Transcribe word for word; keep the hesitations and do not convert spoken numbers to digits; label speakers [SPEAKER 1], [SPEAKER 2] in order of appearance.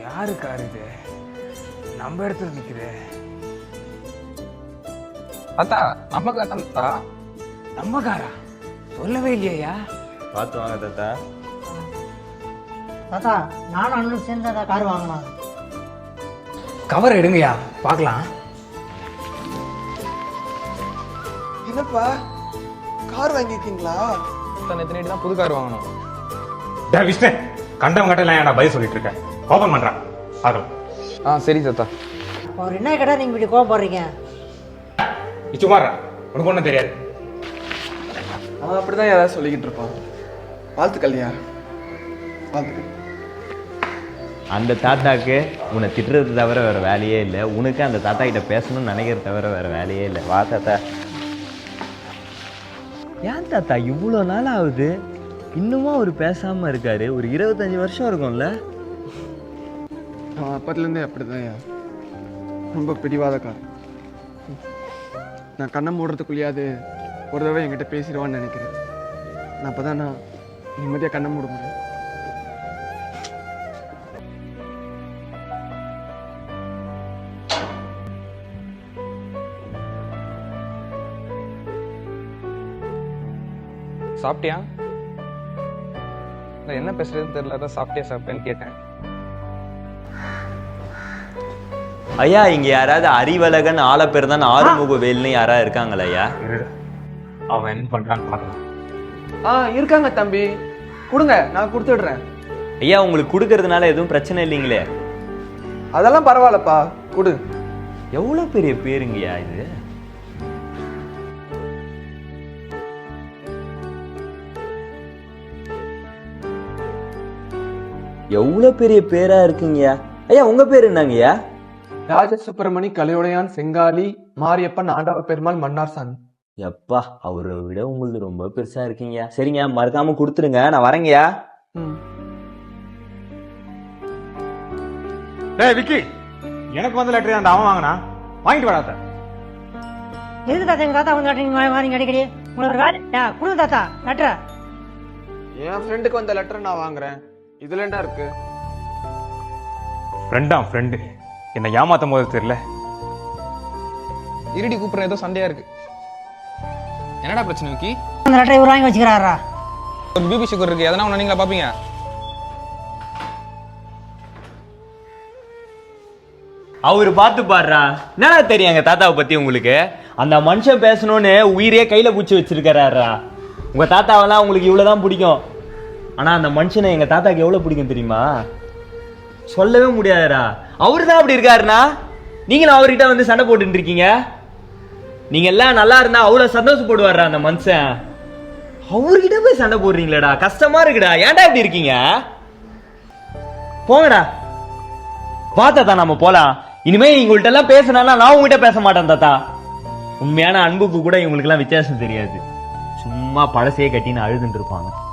[SPEAKER 1] யாரு கார் இது? நம்ம இடத்துல நிக்குது.
[SPEAKER 2] தாத்தா நம்ம கார் தாத்தா.
[SPEAKER 1] நம்ம காரா? சொல்லவே இல்லையா?
[SPEAKER 3] பார்த்து வாங்க தாத்தா.
[SPEAKER 4] தாத்தா நானும் அண்ணனும் சேர்ந்து தான் கார் வாங்கலாம்.
[SPEAKER 1] கவர் எடுங்கய்யா பார்க்கலாம்.
[SPEAKER 5] என்னப்பா கார் வாங்கியிருக்கீங்களா?
[SPEAKER 2] நேற்று நைட்டு தான் புது கார் வாங்கணும்.
[SPEAKER 6] டே விஷ்ணு, கண்டம் கட்டலாம் ஏன்டா பதில் சொல்லிட்டு இருக்கேன்? ஓபன் பண்றான் ஆகும்.
[SPEAKER 2] ஆ சரி தாத்தா.
[SPEAKER 4] அவர் என்ன கேட்டால் நீங்கள் இப்படி கோவப்படுறீங்க?
[SPEAKER 6] சுமாரா உனக்கு ஒன்றும் தெரியாது.
[SPEAKER 5] அவன் அப்படிதான் ஏதாவது சொல்லிக்கிட்டு இருப்பான். வாழ்த்துக்கல்யா, வாழ்த்துக்கள்.
[SPEAKER 3] அந்த தாத்தாக்கு உன்னை திட்டுறது தவிர வேறு வேலையே இல்லை. உனக்கு அந்த தாத்தா கிட்ட பேசணும்னு நினைக்கிறது தவிர வேறு வேலையே இல்லை. வா தாத்தா. ஏன் தாத்தா இவ்வளோ நாள் ஆகுது இன்னுமா அவர் பேசாமல் இருக்காரு? ஒரு இருபத்தஞ்சி வருஷம் இருக்கும்ல.
[SPEAKER 5] அவன் அப்பத்துலேருந்தே அப்படிதான் ரொம்ப பிடிவாதக்காரன். நான் கண்ணை மூடுறதுக்குள்ளேயாவது ஒரு தடவை என்கிட்ட பேசிடுவான்னு நினைக்கிறேன். நான் அப்போ தான் நான் நிம்மதியாக கண்ணை மூட முடியும்.
[SPEAKER 2] சாப்பிட்டியா? இல்லை என்ன பேசுறதுன்னு தெரியல, அதான் சாப்பிட்டியா சாப்பிட்டேன்னு கேட்டேன்.
[SPEAKER 3] ஐயா இங்கே யாராவது அறிவழகன் ஆலப்பேர் தான் ஆறுமுக வேல்னு யாராவது இருக்காங்களா ஐயா?
[SPEAKER 6] அவன் என்ன பண்றான்னு பார்க்கலாம்.
[SPEAKER 5] ஆ இருக்காங்க தம்பி, கொடுங்க நான் கொடுத்துடுறேன்.
[SPEAKER 3] ஐயா உங்களுக்கு கொடுக்கறதுனால எதுவும் பிரச்சனை இல்லைங்களே?
[SPEAKER 5] அதெல்லாம் பரவாயில்லப்பா, கொடு.
[SPEAKER 3] எவ்வளோ பெரிய பேருங்கய்யா இது? எவ்வளோ பெரிய பேரா இருக்குங்கய்யா. ஐயா உங்க பேர் என்னங்கய்யா?
[SPEAKER 5] ராஜ சுப்பிரமணி கலையுடையான் செங்காலி மாரியப்பன் ஆண்டவ பெருமாள் மன்னார் சாமி.
[SPEAKER 3] எப்பா அவரை விட உங்களுக்கு ரொம்ப பெருசா இருக்கீங்க. சரிங்க மறக்காம கொடுத்துருங்க, நான் வரேங்கய்யா.
[SPEAKER 6] டேய் விக்கி, எனக்கு வந்து லெட்டர் அந்த அவன் வாங்கினா வாங்கிட்டு வராத.
[SPEAKER 4] எதுக்கு தாத்தா எங்கள் தாத்தா வந்து லெட்டர் வாங்க அடிக்கடி? உங்களுக்கு வேலை கொடுங்க தாத்தா லெட்டரை.
[SPEAKER 5] என் ஃப்ரெண்டுக்கு வந்த லெட்டர் நான் வாங்குறேன். இதுல என்ன இருக்கு?
[SPEAKER 6] ஃப்ரெண்டா ஃப்ரெண்டு என்னை ஏமாத்தும் போது தெரியல.
[SPEAKER 2] இருடி கூப்பிட்ற, ஏதோ சண்டையா இருக்கு. என்னடா பிரச்சனை விக்கி?
[SPEAKER 4] அந்த லெட்டரை இவர் வாங்கி வச்சுக்கிறாரா?
[SPEAKER 2] ஒரு பிபி சுகர் இருக்கு, எதனா ஒன்று நீங்களா பார்ப்பீங்க.
[SPEAKER 3] அவரு பார்த்து பாடுறா. என்னடா தெரியும் எங்க தாத்தாவை பத்தி உங்களுக்கு? அந்த மனுஷன் பேசணும்னு உயிரே கையில பூச்சி வச்சிருக்காரா. உங்க தாத்தாவெல்லாம் உங்களுக்கு இவ்வளவுதான் பிடிக்கும். ஆனா அந்த மனுஷனை எங்க தாத்தாக்கு எவ்வளவு பிடிக்கும் தெரியுமா? சொல்லவே முடியாதுடா. அவரு தான் அப்படி இருக்காருண்ணா. நீங்களும் அவர்கிட்ட வந்து சண்டை போட்டு இருக்கீங்க. நீங்க எல்லாம் நல்லா இருந்தா அவ்வளவு சந்தோஷப்படுவாரா அந்த மனுஷன். அவர்கிட்ட போய் சண்டை போடுறீங்களேடா, கஷ்டமா இருக்குடா. ஏன்டா இப்படி இருக்கீங்க? போங்கடா. வா தாத்தா நம்ம போலாம். இனிமே இவங்கள்ட்ட எல்லாம் பேசினா நான் உங்ககிட்ட பேச மாட்டேன் தாத்தா. உண்மையான அன்புக்கு கூட இவங்களுக்கு எல்லாம் வித்தியாசம் தெரியாது. சும்மா பழசையே கட்டின்னு அழுதுன்னு இருப்பாங்க.